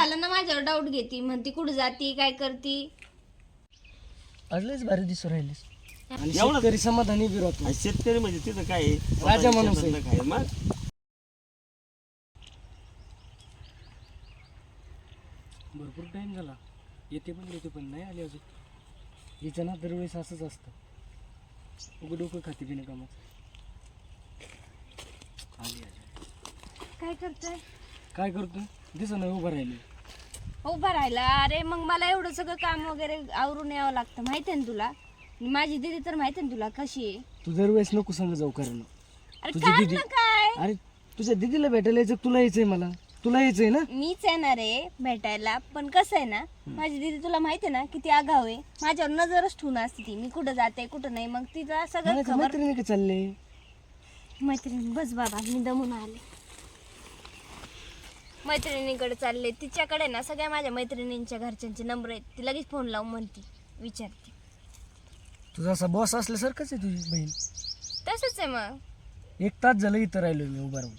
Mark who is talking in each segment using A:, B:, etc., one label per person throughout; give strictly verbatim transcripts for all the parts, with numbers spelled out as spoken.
A: झालं ना माझ्यावर डाऊट घेती, म्हणती कुठं जाती काय करती.
B: आजलेच भारी दिसू राहिलीस आणि
C: एवढं-
B: शेतकरी समाधानी बी राहतो.
C: आणि शेतकरी म्हणजे तिथं काय आहे?
B: राजा माणूस आहे.
C: शेतातलं काय मग
B: भरपूर टाइम झाला, येते पण येते पण नाही आली अजून. हिचं ना दरवेळेस असंच असतं, उघड डोकं खाते बिना कामाचं. आली आली.
A: काय करतोय?
B: काय करतोय दिसं नाही, उभं राहिली.
A: उभा राहिला. अरे मग मला एवढं सगळं काम वगैरे आवरून यावं लागतं, माहिती आहे ना तुला. माझी दीदी तर माहिती आहे ना तुला कशी आहे.
B: तू दरवेळेस नको सांग जाऊ कारण
A: अरे
B: तुझी
A: काय
B: दीदी
A: ना काय,
B: अरे तुझ्या दीदीला भेटायला यायचं, तुला यायचंय, मला तुला यायचंय ना.
A: मीच येणार आहे भेटायला. पण कसं आहे ना, माझी दीदी तुला माहिती आहे ना किती आगाव आहे. माझ्यावर नजरच ठेवून असते ती, मी कुठं जाते कुठं नाही. मग तिला सगळं
B: म्हणायचं
A: खबर.
B: मैत्रिणी का चालले.
A: मैत्रिणी बस बाबा, मी दमून आले. मैत्रिणीकडे चालले, तिच्याकडे ना सगळ्या माझ्या मैत्रिणींच्या घरच्यांचे नंबर आहेत. ती लगेच फोन लावून म्हणती, विचारते.
B: तुझा असा बॉस असल्यासारखंच आहे तुझी बहीण.
A: तसंच आहे. मग
B: एक तास झालं इथं राहिलो मी उभा राहून.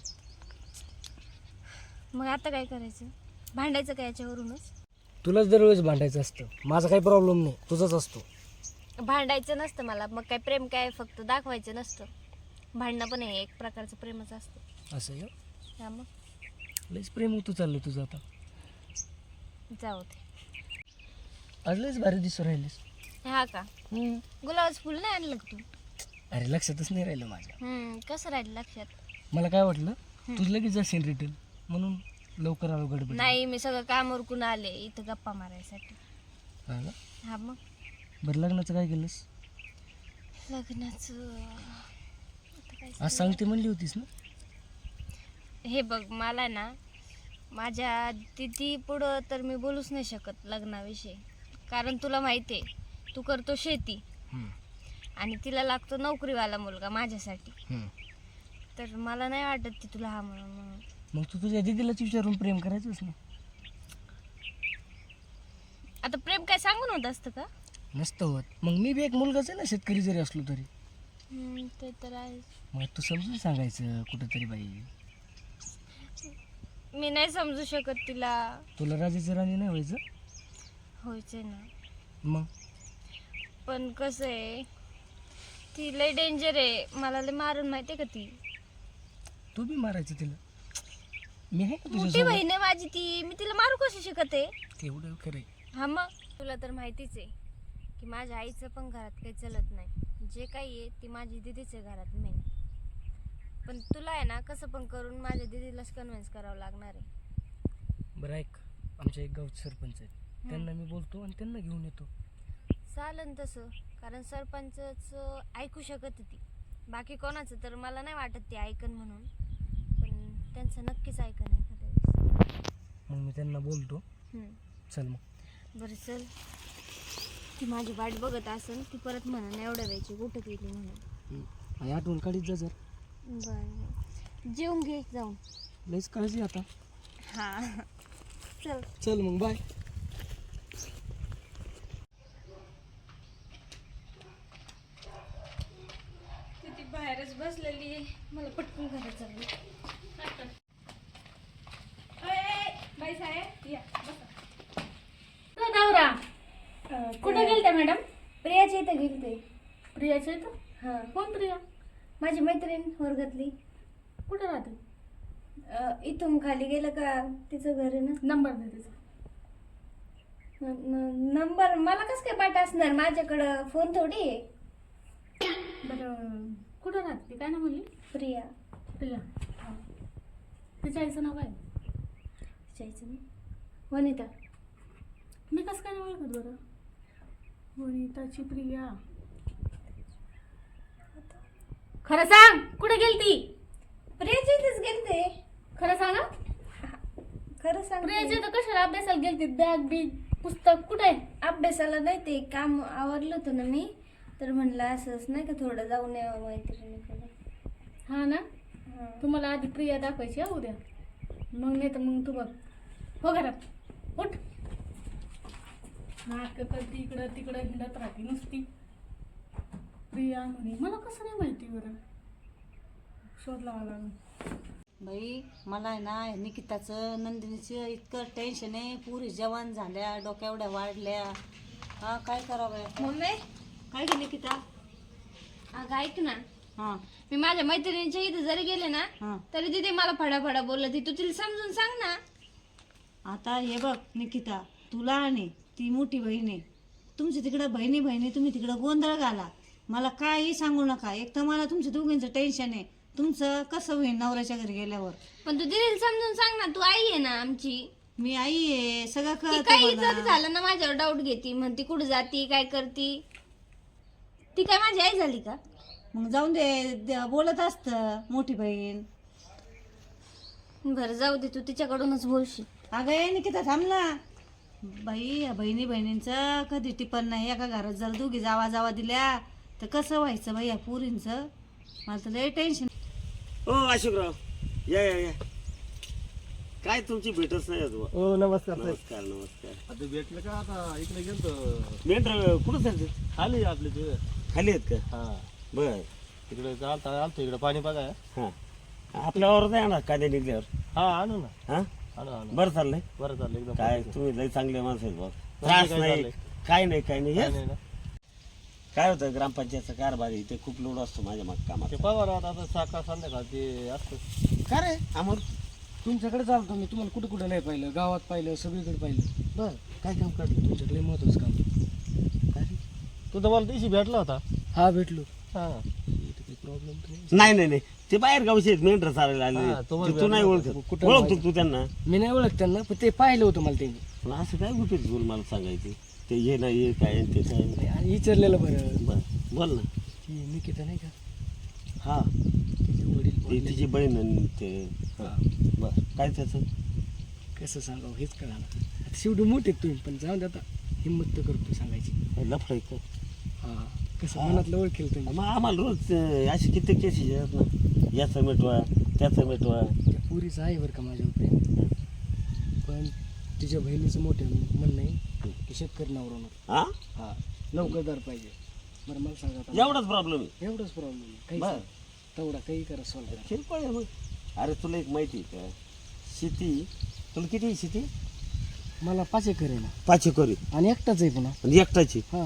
A: मग आता काय करायचं? भांडायचं काय याच्यावरूनच?
B: तुलाच दरवेळेस भांडायचं असतं, माझा काही प्रॉब्लेम नाही, तुझाच असतो.
A: भांडायचं नसतं मला. मग काय प्रेम काय फक्त दाखवायचं नसतं, भांडणं पण हे एक प्रकारचं प्रेमच असतं.
B: असं आहे का?
A: हा मग
B: लयच प्रेम होतो चाललं तुझं आता.
A: जाऊ दे.
B: आज लयच भारी दिसू राहिलीस.
A: हा का?
B: हम्म.
A: गुलाबाचं फुल नाही आणलं का तू?
B: अरे लक्षातच नाही राहिलं माझ्या.
A: हम्म, कसं राहिलं लक्षात?
B: मला काय वाटलं तू लगेच जाशील रिटर्न, म्हणून लवकर आलो गडबड.
A: नाही, मी सगळं काम उरकून आले इथं गप्पा मारायसाठी.
B: हा का?
A: हा मग
B: बरं लग्नाचं काय केलंस?
A: लग्नाचं आता काय
B: आज सांगते म्हणली होतीस ना.
A: हे बघ, मला ना माझ्या दिदी पुढं तर मी बोलूच नाही शकत लग्नाविषयी. कारण तुला माहिती आहे, तू करतो शेती
B: हम्म.
A: आणि तिला लागतो नोकरीवाला मुलगा माझ्यासाठी.
B: हम्म.
A: तर मला नाही वाटत ती तुला हा म्हणून म्हणून.
B: मग तू तुझ्या दिदीलाच विचारून प्रेम करायचंच ना.
A: आता प्रेम काय सांगून होत असतं का?
B: नसतं होत. मग मी बी एक मुलगाच आहे ना, शेतकरी जरी असलो तरी.
A: हम्म, ते तर आहे.
B: मग तू समजून सांगायचं कुठंतरी बाई.
A: मी नाही समजू शकत तिला.
B: तुला राजाची राणी नाही व्हायचं.
A: व्हायचंय ना,
B: मग
A: पण कसं आहे, ती लय डेंजर आहे. मला लय मारून माहिती आहे का ती.
B: तू बी मारायचं तिला. मी आहे का
A: मोठी
B: तुझ्या
A: बहीण आहे माझी ती, मी तिला मारू कशी शकत आहे?
B: तेवढं खरंय.
A: हा मग तुला तर माहितीच आहे की माझ्या आईचं पण घरात काही चलत नाही. जे काही आहे ती माझी दिदीच आहे घरात मेन. पण तुला आहे ना कसं पण करून माझ्या दिदीलाच कन्व्हिन्स करावं लागणार आहे.
B: बरं ऐक, आमच्या एक गावचे सरपंच आहेत, त्यांना मी बोलतो आणि त्यांना घेऊन येतो.
A: चालन तसं, कारण सरपंचच ऐकू शकत ती. बाकी कोणाचं तर मला नाही वाटत ते ऐकन म्हणून, पण त्यांचं नक्कीच ऐकन एखाद्या
B: मग मी त्यांना बोलतो.
A: वेळेस.
B: चल मग.
A: बरं चल. ती माझी वाट बघत असेल, ती परत म्हणून एवढ्या वेळची कुठं गेली म्हणून.
B: आई आठवण काढीत जा जर.
A: बरं, जेवून घे जाऊन.
B: लयच काळजी आता.
A: हा चल.
B: चल मग बाय.
A: ती बाहेरच बसलेली आहे, मला पटकन घरात चालली. बाई साहेब या बसा.
D: नवरा कुठे गेलते मॅडम?
A: प्रियाच्या इथं गेलते.
D: प्रियाच्या इथं?
A: हा,
D: कोण प्रिया?
A: माझी मैत्रीण वर्गातली.
D: कुठे राहते?
A: अं, इथून खाली गेलं का तिचं घर आहे ना.
D: नंबर दे तिचा.
A: न- न- नंबर मला कसं काय पाठ असणार, माझ्याकडं फोन थोडी आहे.
D: बरं कुठं राहते ती? काय ना म्हणली?
A: प्रिया.
D: प्रिया. तिच्या आईचं नाव काय?
A: विचारायचं ना. वनिता.
D: मी कसं काय नाही ओळखत बरं? वनिताची प्रिया. खरं सांग, कुठे गेलती?
A: प्रियाच्या इथेच गेलते.
D: खरं सांगा.
A: खरं सांग.
D: प्रियाच्या इथं कशाला अभ्यासाला गेलती? बॅग बिग पुस्तक कुठे आहे?
A: अभ्यासाला नाही, ते काम आवरलं होतं ना मी, तर म्हणलं असंच नाही का थोडं जाऊन यावं मैत्रिणीकडे.
D: हा ना.
A: हा.
D: तुम्हाला आधी प्रिया दाखवायची हा उद्या, मग नाही तर मग तू बघ. हो घरात उठ. नाटकं करते इकडं तिकडं हिंडत राहते नुसती. प्रिया म्हणे, मला कसं नाही माहिती बरं. शोध लावा लागून.
C: बाई मला आहे ना निकिताचं नंदिनीचं इतकं टेन्शन आहे. पुरी जवान झाल्या, डोक्या एवढ्या वाढल्या. हा काय करावं?
A: मम्मी
C: काय गे निकिता?
A: अगं ऐक ना,
C: हां
A: मी माझ्या मैत्रिणीच्या इथे जरी गेले ना
C: हां
A: तरी तिथे मला फडाफडा बोलत ती तू तिला समजून सांग ना.
C: आता हे बघ निकिता, तुला आणि ती मोठी बहीण आहे. तुमची तिकडं बहिणी बहिणी तुम्ही तिकडं गोंधळ घाला. मला काही सांगू नका. एक तर मला तुमच्या दोघींचं टेन्शन आहे. तुमचं कसं होईल नवऱ्याच्या घरी गेल्यावर?
A: पण तू तिला समजून सांग ना, तू आई आहे ना आमची.
C: मी आई आहे, सगळं
A: ती
C: कळतं
A: काही
C: मला.
A: जरी झालं ना माझ्यावर डाऊट घेती, म्हणती कुठं जाती काय करती. ती काय माझी आई झाली का?
C: मग जाऊन दे, द- बोलत असतं मोठी बहीण.
A: बरं जाऊ दे, तू तिच्याकडूनच बोलशील.
C: अगं ये निकिता थांब ना. बाई या बहिणी बहिणींचं कधी टिपण नाही. एका घरात जर दोघी जावा जावा दिल्या तर कसं व्हायचं बाई या पुरींचं? मला तर लय टेन्शन.
E: ओ अशोकराव, या या या. काय तुमची भेटच नाही अजून.
B: हो नमस्कार साहेब.
E: नमस्कार नमस्कार.
F: आता भेटलं का? आता इकडे गेलतो
E: मेंढर कुठं चालते?
F: खाली आपले ते
E: खाली आहेत का?
F: हा
E: बर.
F: तिकडे चालता आलतो इकडे पाणी बघाय.
E: हा आपल्यावर नाही आणा कांदे निघल्यावर.
F: हा आणू ना,
E: हा
F: आणू आणू.
E: बरं चाललंय.
F: बरं चाललं एकदम.
E: काय तुम्ही लय चांगले माणसं आहेत बा. त्रास
F: काय
E: नाही
F: चाललंय?
E: काय नाही काय नाही.
F: काय
E: हेच
F: नाही ना.
E: काय होतं ग्रामपंचायतचा कारभार आहे, ते खूप लोड असतो माझ्या माग कामात.
F: ते पगार आता आता सकाळ संध्याकाळ ते असतं.
E: का रे अमोल?
B: तुमच्याकडे चालतो मी. तुम्हाला कुठं कुठं नाही पाहिलं, गावात पाहिलं, सगळीकडे पाहिलं.
E: बर काय काम काढलं?
B: तुमच्याकडे महत्वाचं काम.
E: काय रे?
F: तू तर मला दिवशी भेटला होता.
B: हा भेटलो.
F: हा
B: इथं काही प्रॉब्लेम नाही.
E: नाही नाही नाही ते बाहेर गावचे आहेत, मेंढर चालायला
F: हा,
E: आले.
F: तुम्हाला
E: ते तू नाही
F: भेटलं
E: ओळखत.
B: कुठं
E: ओळखतो
B: माहिती?
E: तू त्यांना?
B: मी नाही ओळखत त्यांना, पण ते पाहिलं होतं मला त्यांनी.
E: पण असं काय गुपित बोल मला सांगायचे? ते हे नाही हे काय आणि ते काय नाही.
B: आणि विचारलेलं बरं.
E: बर बोल ना.
B: ती निकिता नाही का,
E: हा
B: तिचे वडील
E: ती
B: वारले.
E: तिची बहीण आणि ते
B: हा.
E: बर काय त्याचं?
B: कसं सांगावं हेच कळा ना. आता शेवटी मोठे आहेत तुम्ही, पण जाऊन दे आता. हिंमत तर करतो सांगायची.
E: लफड का?
B: हा कसं मनातलं ओळखेल तुम्ही.
E: मग आम्हाला रोज अं, अशी किती केसेस आहेत ना. याचं मिटवा त्याचं मिटवा.
B: त्या पुरीचं आहे बरं का माझ्यावर प्रेम, पण तिच्या बहिणीचं मोठं म्हणणं आहे की शेतकरी नवरा नको.
E: हा
B: हा नौकरदार पाहिजे. बरं मला सांगा आता.
E: एवढाच प्रॉब्लेम आहे.
B: एवढंच प्रॉब्लेम आहे. काही
E: बरं.
B: तेवढा काही करा सॉल्व करा.
E: किरकोळ आहे मग. अरे तुला एक माहिती आहे का, शेती तुला किती आहे शेती?
B: मला पाच एकर आहे ना,
E: पाच एकर आहे.
B: आणि एकटाच आहे पुन्हा.
E: आणि एकटाची.
B: हा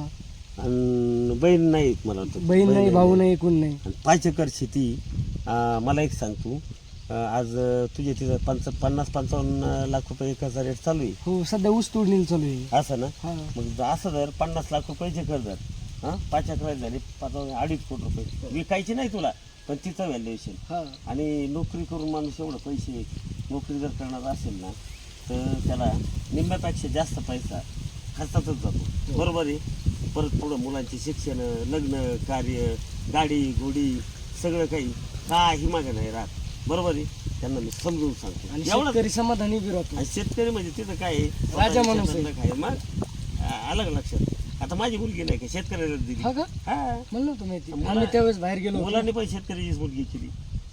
E: आणि बहीण नाही एक मला वाटतं.
B: बहीण नाही, भाऊ नाही, कोण नाही.
E: आणि पाच एकर शेती. अं, मला एक सांग तू, अं, आज अं, तुझे तिथं पंच पन्नास पंचावन्न लाख रुपये एकरचा रेट चालू आहे
B: हो सध्या ऊस तोडणी चालू आहे.
E: असं ना.
B: हा
E: मग असं जर पन्नास लाख रुपयाचे कर जर हां पाच अकरा झाले पाच अडीच कोटी रुपये विकायचे नाही तुला, पण तिचं व्हॅल्युएशन.
B: हा
E: आणि नोकरी करून माणूस एवढं पैसे नोकरी जर करणार असेल ना तर त्याला निम्म्यापेक्षा जास्त पैसा खर्चातच जातो. बरोबर आहे. परत पुढं मुलांचे शिक्षण, लग्न कार्य, गाडी घोडी सगळं काही काही मागे नाही राहत. बरोबर आहे. त्यांना मी समजून सांगतो
B: आणि
E: एवढं.
B: शेतकरी समाधानी बी राहतो.
E: आणि शेतकरी म्हणजे तिथं काय आहे,
B: राजा माणूस आहे.
E: शेतातलं काय मग आ- आलं का लक्षात? आता माझी मुलगी नाही का शेतकऱ्याला दिली.
B: हा का
E: हा
B: म्हणलं होतं माहिती.
E: मुला-
B: आम्ही त्यावेळेस बाहेर गेलो होतो.
E: मुलांनी पण शेतकऱ्याचीच मुलगी केली.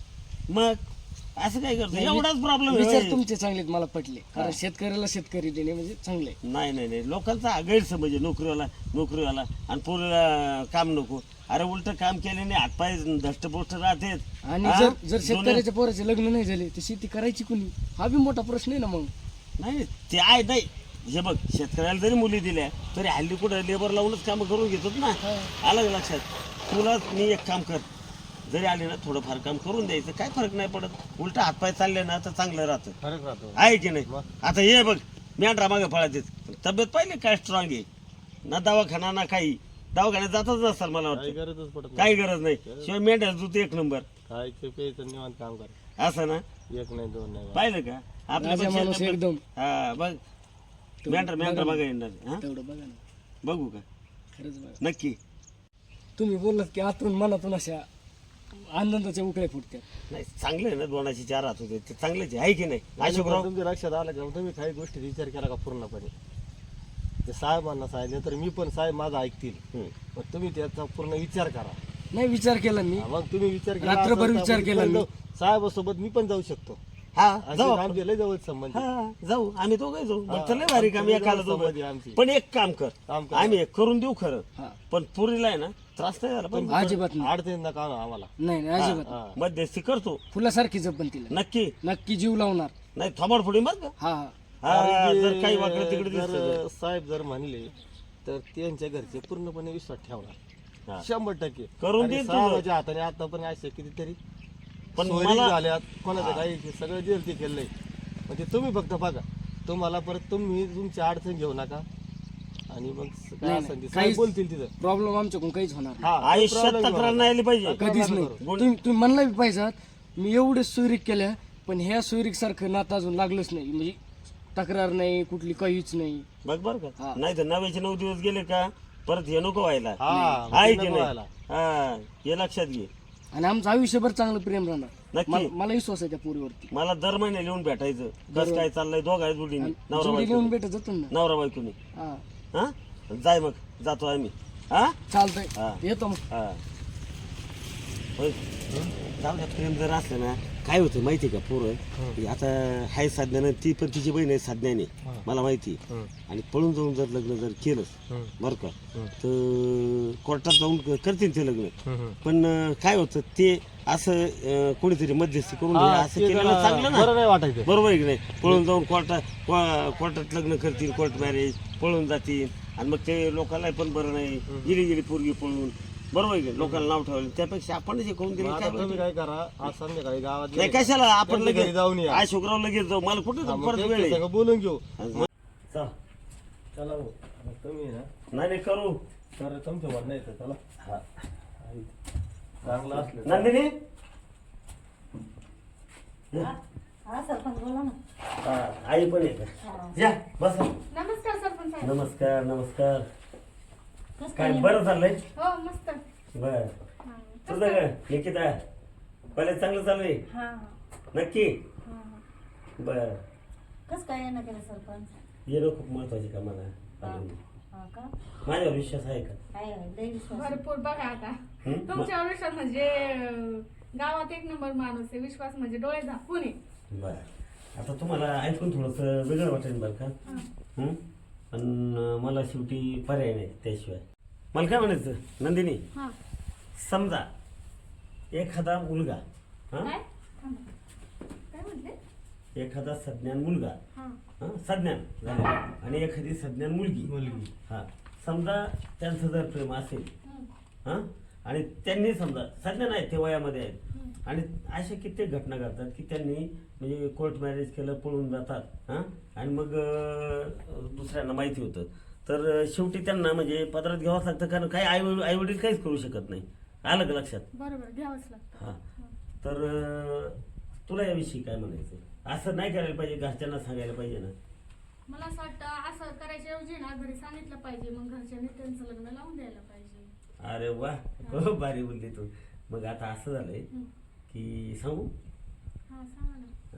E: मग असं काय करतो?
B: नाही,
E: एवढाच प्रॉब्लेम
B: विचार तुमचे चांगलेत, मला पटले. कारण शेतकऱ्याला शेतकरी देणे म्हणजे चांगले.
E: नाही नाही नाही लोकांचा हा गैरसमज आहे. नोकरीवाला नोकरीवाला आणि पोरीला काम नको. अरे उलट काम केल्याने हातपाय धष्टपुष्ट राहतेत.
B: आणि
E: हा?
B: जर जर
E: दोन्ही-
B: शेतकऱ्याच्या पोराचे लग्न नाही झाले तर शेती करायची कुणी? हा बी मोठा प्रश्न आहे ना. मग
E: नाही ते आहे नाही. हे बघ शेतकऱ्याला जरी मुली दिल्या तरी हल्ली कुठं लेबर लावूनच कामं करून घेतात ना. आलं का लक्षात? तुला मी एक काम कर, जरी आले ना थोडंफार काम करून द्यायचं, काय फरक नाही पडत. उलट हातपाय चालले ना तर चांगलं राहतं.
F: फरक राहतो.
E: आहे की नाही? आता हे बघ मेंढरा मागे फळात तब्येत पाहिली काय स्ट्रॉंग आहे ना. दवाखाना ना काही. दवाखान्यात जातच नसतात मला
F: काही
E: वाटतं.
F: गरजच पडत नाही.
E: काही गरज नाही. शिवाय मेंढ्या दूध एक नंबर.
F: खायचं प्यायचं निवांत काम कर.
E: असं ना.
F: एक नाही दोन नाही.
E: पाहिलं का आपल्या
B: राजा माणूस
E: पेक्षा-
B: एकदम.
E: हा बघ मेंढरा मेंढरा बघा येणार. हा
B: तेवढं बघा ना,
E: बघू का?
B: खरंच बघा.
E: नक्की.
B: तुम्ही बोललात की आतून मनातून अशा आनंदाच्या उकळ्या फुटतात.
E: नाही चांगलं आहे ना. दोनाची चार हात होते ते चांगलेच आहे की नाही अशोकराव?
F: तुमच्या लक्षात आलं का तुम्ही काही गोष्टी विचार केला का पूर्णपणे? ते साहेबांना सांगितलं तर मी पण साहेब माझा ऐकतील.
E: हम्म.
F: पण तुम्ही त्याचा पूर्ण विचार करा.
B: नाही विचार केला मी.
F: हा, मग तुम्ही विचार केला
B: रात्रभर
F: असेल तर
B: विचार
F: आपण
B: केला
F: पण
B: मी.
F: जाऊ. साहेबासोबत मी पण जाऊ शकतो.
E: हा
F: आणि
E: जाऊ
F: ते
E: आपण.
F: आमचे लय जवळ संबंध आहे.
E: हा जाऊ आम्ही दोघे जाऊ
F: हा,
E: मग तर लय भारी काम
F: आमची
E: एकाला
F: लय संमती
E: दोघं
F: आमची.
E: पण एक काम कर
F: काम कर.
E: आम्ही एक करून देऊ खरं
B: हा.
E: पण पुरीला आहे ना त्रास नाही झाला पण
B: अजिबात नाही
F: अडचणीत नका आणू आम्हाला
B: नाही नाही, अजिबात
F: हा.
E: मध्यस्थी करतो
B: फुलासारखी जपन तिला
E: नक्की
B: नक्की जीव लावणार
E: नाही थोबाड फोडी मग का
B: हा हा
E: हा
F: कारण
E: जर
F: की
E: काही वाटलं तिकडे दिसलं तर.
F: जर साहेब जर म्हणले तर त्यांच्या घरचे पूर्णपणे विश्वास ठेवणार
E: हा.
F: शंभर टक्के
E: करून
F: आणि
E: देईल तुझं.
F: साहेबाच्या हाताने आता पण असे कितीतरी
E: पण
F: पण
E: मला-
F: झाल्यात कोणाचं काही सगळं जेल ते केलंय म्हणजे तुम्ही फक्त बघा तुम्हाला परत तुम्ही तुमची अडचण घेऊ नका आणि मग काय
B: नाही,
F: असेल ते
B: काहीच-
F: साहेब बोलतील तिथं
B: प्रॉब्लेम आमच्याकडून काहीच होणार नाही.
F: हा
E: आयुष्यात
F: problem घेऊ
E: तक्रार
F: नका.
E: नाही आली पाहिजे
B: कधीच नाही तुम्ही तुम्ही म्हणला बी पाहिजात मी एवढे सुरीक केल्या पण ह्या सुरीक सारखं नातं अजून लागलंच नाही म्हणजे तक्रार नाही कुठली काहीच नाही
E: बघ बर
B: हा.
E: का नाही तर नव्याचे नऊ दिवस गेले का परत हे नको व्हायला
F: हा मग
E: आहे
F: ते
E: की
F: नको
E: नाही
F: व्हायला.
E: हा हे लक्षात घे
B: आणि आमचं आयुष्यभर चांगलं प्रेम राहणार
E: नक्की.
B: मला मला विश्वास आहे त्या पोरीवरती
E: मला दर महिन्याला येऊन भेटायचं कसं काय चाललंय दोघा जोडीने नवरा
B: जोडी
E: बायको
B: लिहून भेटत जातो ना
E: नवरा बायकोनी
B: हा
E: हा जाय मग जातो आम्ही हा हा.
B: चालतंय येतो मग
E: हा होय. जाऊ द्या प्रेम जर असलं ना काय होतं माहिती का पोरं की आता हाय साधण्यानं ती पण तिची बहीण आहे साधण्याने मला माहिती आहे. आणि पळून जाऊन जर लग्न जर केलंच बरं का तर कोर्टात जाऊन क- करतील ते लग्न पण अं, काय होतं ते असं अं, कोणीतरी मध्यस्थी करून
F: हा,
E: हे असं
F: ते
E: केलेलं
F: जरा
E: चांगलं ना
F: बरं नाही वाटायचं
E: बरोबर आहे की नाही पळून जाऊन कोर्टात को- कोर्टात लग्न करतील कोर्ट मॅरेज पळून जातील आणि मग ते लोकांना पण बरं नाही गेली गेली पोरगी पळून बरोबर आहे की नाही? लोकांना नाव ठेवलं त्यापेक्षा आपणच हे करून दिलं
F: मग
E: काय
F: आता तुम्ही काय करा आज संध्याकाळी गावात
E: नाही
F: गेले का?
E: कशाला आपण
F: त्यांच्या
E: लगेच
F: घरी जाऊन या
E: आज शुक्रवार लगेच जाऊ मला कुठं
F: हा, मग
E: परत वेळ
F: त्यांच्या
E: आहे
F: संग बोलून घेऊ
E: चल.
F: चला भाऊ. मग तुम्ही ना
E: नाही नाही करू
F: तर तुमच्या म्हणणं येतं चला
E: हा.
F: चांगलं असलं तर.
E: नंदिनी
C: हा सरपंच बोला ना.
E: हा, आई पण आहे का या बस
D: नमस्कार सरपंच साहेब.
E: नमस्कार नमस्कार
C: कसं
E: काय
C: काय
E: बरं चाललंय
D: हो मस्त
E: बर
D: हा.
E: तुझं काय निकिता कॉलेज चांगलं चालू आहे
D: हा
E: नक्की
D: हा.
E: बर
C: कसं काय येणं केलं सरपंच
E: येणं खूप महत्वाचे का मला
C: हा का
E: माझ्यावर विश्वास आहे का
C: आहे आहे, लय विश्वास आहे.
D: भरपूर बघा आता
E: हं?
D: तुमच्या विश्वास म्हणजे अं, गावात एक नंबर माणूस आहे विश्वास म्हणजे डोळे झाकून आहे.
E: बर आता तुम्हाला ऐकून थोडस वेगळं वाटेल बरं का हं? पण अं, मला शेवटी पर्याय नाही त्याशिवाय मला काय म्हणायचं नंदिनी
D: हा.
E: समजा एखादा मुलगा हा
D: काय थांबा. काय म्हटले
E: एखादा सज्ञान मुलगा
D: हा
E: हा सज्ञान झालं आणि एखादी सज्ञान मुलगी
F: मुलगी
E: हा समजा त्यांचं जर प्रेम असेल
D: हं.
E: हा आणि त्यांनी समजा सज्ञान आहेत ते वयामध्ये आहेत आणि अशा कित्येक घटना घडतात की त्यांनी म्हणजे कोर्ट मॅरेज केलं पळून जातात हा आणि मग अं, दुसऱ्यांना माहिती होतं तर अं, शेवटी त्यांना म्हणजे पदरात घ्यावंच लागतं कारण काही आई आई वडील काहीच करू शकत नाही आलं का लक्षात
D: बरोबर घ्यावंच लागतं.
E: हा तर अं, तुला याविषयी काय म्हणायचं असं नाही करायला पाहिजे घरच्यांना सांगायला पाहिजे ना
D: मला असं वाटतं असं करायच्या ऐवजी ना घरी सांगितलं पाहिजे मग घरच्यांनी त्यांचं लग्न लावून द्यायला पाहिजे.
E: अरे वा खूप भारी बोलली तू मग आता असं झालंय
D: हं.
E: की सांगू
D: हा सांगा ना.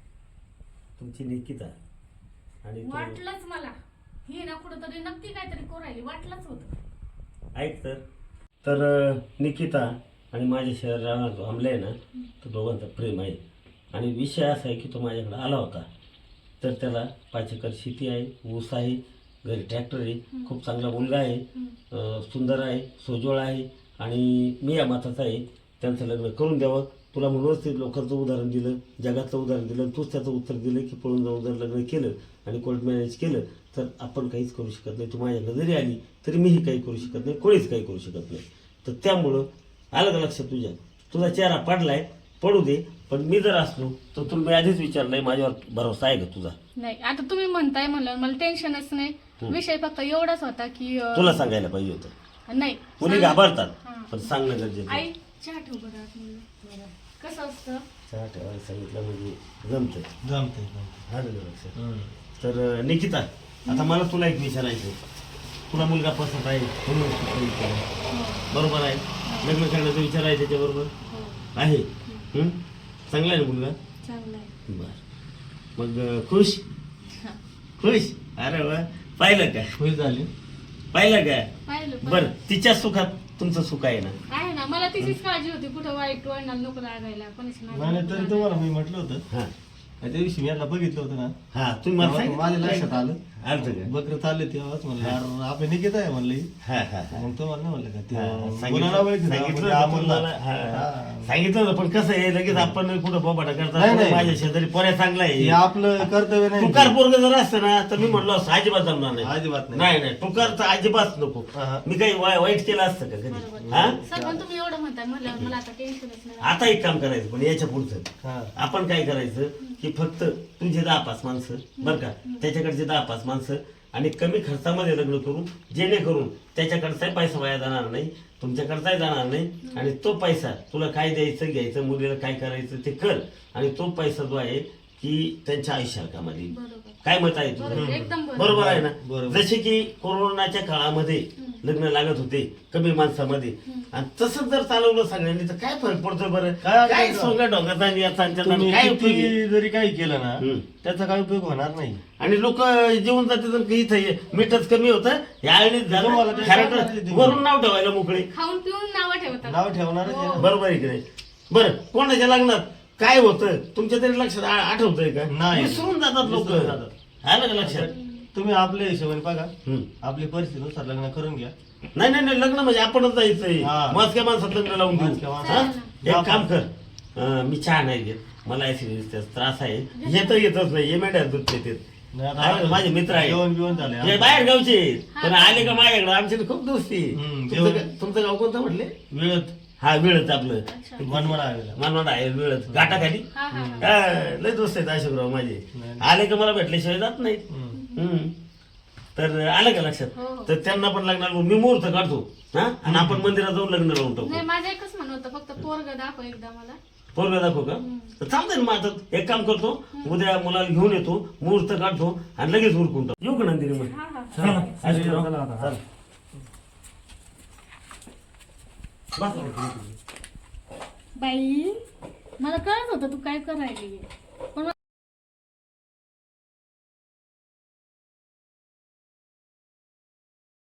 E: तुमची निकिता आणि तू
D: वाटलंच मला ही ना कुठंतरी नक्की काहीतरी कोरायली वाटलंच होतं.
E: ऐक तर तर अं, निकिता आणि माझ्या शहरात जो आमला आहे ना तो दोघांचा प्रेम आहे आणि विषय असा आहे की तो माझ्याकडे आला होता तर त्याला पाच एकर शेती आहे ऊस आहे घरी ट्रॅक्टर आहे खूप चांगला मुलगा आहे अं, सुंदर आहे सोजवळ आहे आणि मी या माताचा आहे त्यांचं लग्न करून द्यावं तुला म्हणूनच ते लोकांचं उदाहरण दिलं जगातलं उदाहरण दिलं तूच त्याचं उत्तर दिलं की पळून जाऊन जर लग्न केलं आणि कोर्ट मॅरेज केलं तर आपण काहीच करू शकत नाही तू माझ्याकडे जरी आली तरी मीही काही करू शकत नाही कोणीच काही करू शकत नाही तर त्यामुळं आलं का लक्षात तुझ्या तुझा चेहरा पडलाय पडू दे पण मी जर असलो तर तुला मी आधीच विचारलंय माझ्यावर भरोसा आहे का तुझा
D: नाही आता तुम्ही म्हणताय म्हणलं मला टेन्शनच नाही विषय फक्त एवढाच होता की अं,
E: तुला सांगायला पाहिजे होतं
D: नाही
E: मुली घाबरतात
D: हां.
E: पण सांगणं गरजेचं आहे.
D: आई चहा ठेव बरं आतमध्ये. कसं असतं
E: चहा ठेवायला सांगितलं म्हणजे जमतं
F: जमतंय जमतंय.
E: आलं का लक्षात तर अं, निकिता आता मला तुला एक विचारायचं तुला मुलगा पसंत आहे म्हणून तू प्रेम केलं. बरोबर आहे लग्न करण्याचा विचार आहे त्याच्याबरोबर आहे हं? चांगला आहे ना मुलगा
D: चांगलं आहे.
E: बर मग अं, खुश खुश अरे वा पाहिलं का
F: खुश झाली
E: पाहिलं का
D: पाहिलं पण
E: बर तिच्या सुखात तुमचं सुख आहे ना
D: आहे ना मला तिचीच काळजी होती कुठं वाईट वळणार नको लागायला कोणाची
F: नाही नाही, तरी तुम्हाला मी म्हटलं होतं
E: हा
F: त्या दिवशी मी यांना बघितलं होतं ना
E: हा तुम्ही मला
F: तेव्हा
E: सांगितलं
F: माझ्या लक्षात आलं
E: आलतं का
F: बकरं चालले तेव्हाच म्हणलं यार आपले निकित आहे म्हणलं ही.
E: हा हा हा
F: मग तो म्हणलं म्हणलं का
E: हा,
F: ते
E: सांगितलं
F: मुलाला ओळखीचं,
E: सांगितलं
F: आपण
E: होतं
F: आम्हाला-
E: तुम्हाला, हा.
F: हा.
E: सांगितलं होतं पण कसं आहे लगेच आपण कुठं बोबाटा
F: नाही,
E: करता
F: नाही.
E: माझ्या शेजारी पोऱ्या चांगला
F: हे
E: आहे
F: आपलं कर्तव्य नाही
E: टुकार पोरग जर असतं ना तर मी म्हणलो असं अजिबात जमणार नाही
F: अजिबात नाही.
E: नाही नाही टुकार तर अजिबात नको
F: हा.
E: मी काही वाय- वाईट केलं असतं का कधी हा
D: सर पण तुम्ही एवढं म्हणताय म्हणल्यावर मला आता टेन्शनच नाही.
E: आता एक काम करायचं पण याच्या पुढचं
F: हा.
E: आपण काय करायचं की फक्त तुझे दहा पाच माणसं बरं का त्याच्याकडचे दहा पाच माणसं आणि कमी खर्चामध्ये लग्न करू जेणेकरून त्याच्याकडचाही पैसा वाया जाणार नाही तुमच्याकडचाही जाणार नाही आणि तो पैसा तुला काय द्यायचं घ्यायचं मुलीला काय करायचं ते कर आणि तो पैसा जो आहे की त्यांच्या आयुष्याला कामाला येईल.
D: बरोबर
E: काय मत आहे
D: बरोबर,
E: तुझं
D: एकदम बरोबर.
E: बरोबर आहे ना
F: बरोबर.
E: जसे की कोरोनाच्या काळामध्ये लग्न लागत होते कमी माणसामध्ये आणि तसंच जर चालवलं सगळ्यांनी तर काय फरक पडतो बरं
F: काय अडचण
E: काय
F: नाही.
E: सोंगा डोंगरचा आणि याचा आणि त्याचा
F: तुम्ही
E: काय उपयोग आहे?
F: किती जरी काही केलं ना
E: हम्म.
F: त्याचा काही उपयोग होणार नाही
E: आणि लोक जेवून जाते तर इथं हे मीठच कमी होतं या आळणीत
F: तुम्हाला
E: झालं
F: ते
E: खरं
F: सांगायचं
E: तर
F: ते.
E: वरून नाव ठेवायला मोकळे
D: खाऊन पिऊन नावं ठेवतात.
F: नाव ठेवणारच आहे ना.
E: बरोबर आहे की नाही बरं कोणाच्या लग्नात काय होतं तुमच्या तरी लक्षात आ- आठवतंय का
F: नाही.
E: विसरून जातात लोक
F: विसरून जातात.
E: आलं का लक्षात
F: तुम्ही आपल्या हिशोबाने बघा
E: हम्म.
F: आपली परिस्थितीनुसार लग्न करून घ्या
E: नाही नाही नाही लग्न म्हणजे आपणच जायचंय
F: हा.
E: मास्क्या माणसात लग्न लावून देऊ
F: मास्क्या माणसात.
E: हा? एक काम कर अं, मी चहा नाही घेत मला ऍसिडिटीचा त्रास आहे येत येतच नाही हे मेंढ्या दूध पितात.
F: नाही आता
E: आहे, माझे मित्र आहे
F: जेवण बिवण झाले
E: हे बाहेर गावचे आहेत. पण आले का माझ्याकडे आमची तर खूप दोस्ती आहे.
F: हम्म,
E: तुमचं
F: जेवण-
E: गा- तुमचं गाव कोणतं म्हटले
F: वेळत
E: हा वेळच आपलं
F: मनमन आलेला
E: मनवाड आहे वेळच घाटाखाली
D: हा हा
E: हा, लय दोस्त आहेत अशोकराव माझे
F: नाही.
E: आले का मला भेटल्याशिवाय जात नाहीत
F: हम्म.
E: हम्म. तर आलं का लक्षात
D: हो, हो.
E: तर त्यांना पण लग्नाला बोलू. मी मुहूर्त काढतो हा आणि आपण मंदिरात जाऊन लग्न लावून टाकू
D: नाही माझं एकच म्हणणं होतं फक्त पोरग दाखव एकदा मला.
E: पोरगा दाखवू का तर चालतंय ना मग आता एक काम करतो उद्या मुलाला घेऊन येतो मुहूर्त काढतो आणि लगेच उरकून टाकतो येऊ का नंदिनी मग
D: हा हा
B: चला
E: अशोकराव,
B: चला आता.
E: चला. बस.
D: बाई मला कळत होतं तू काय करायली पण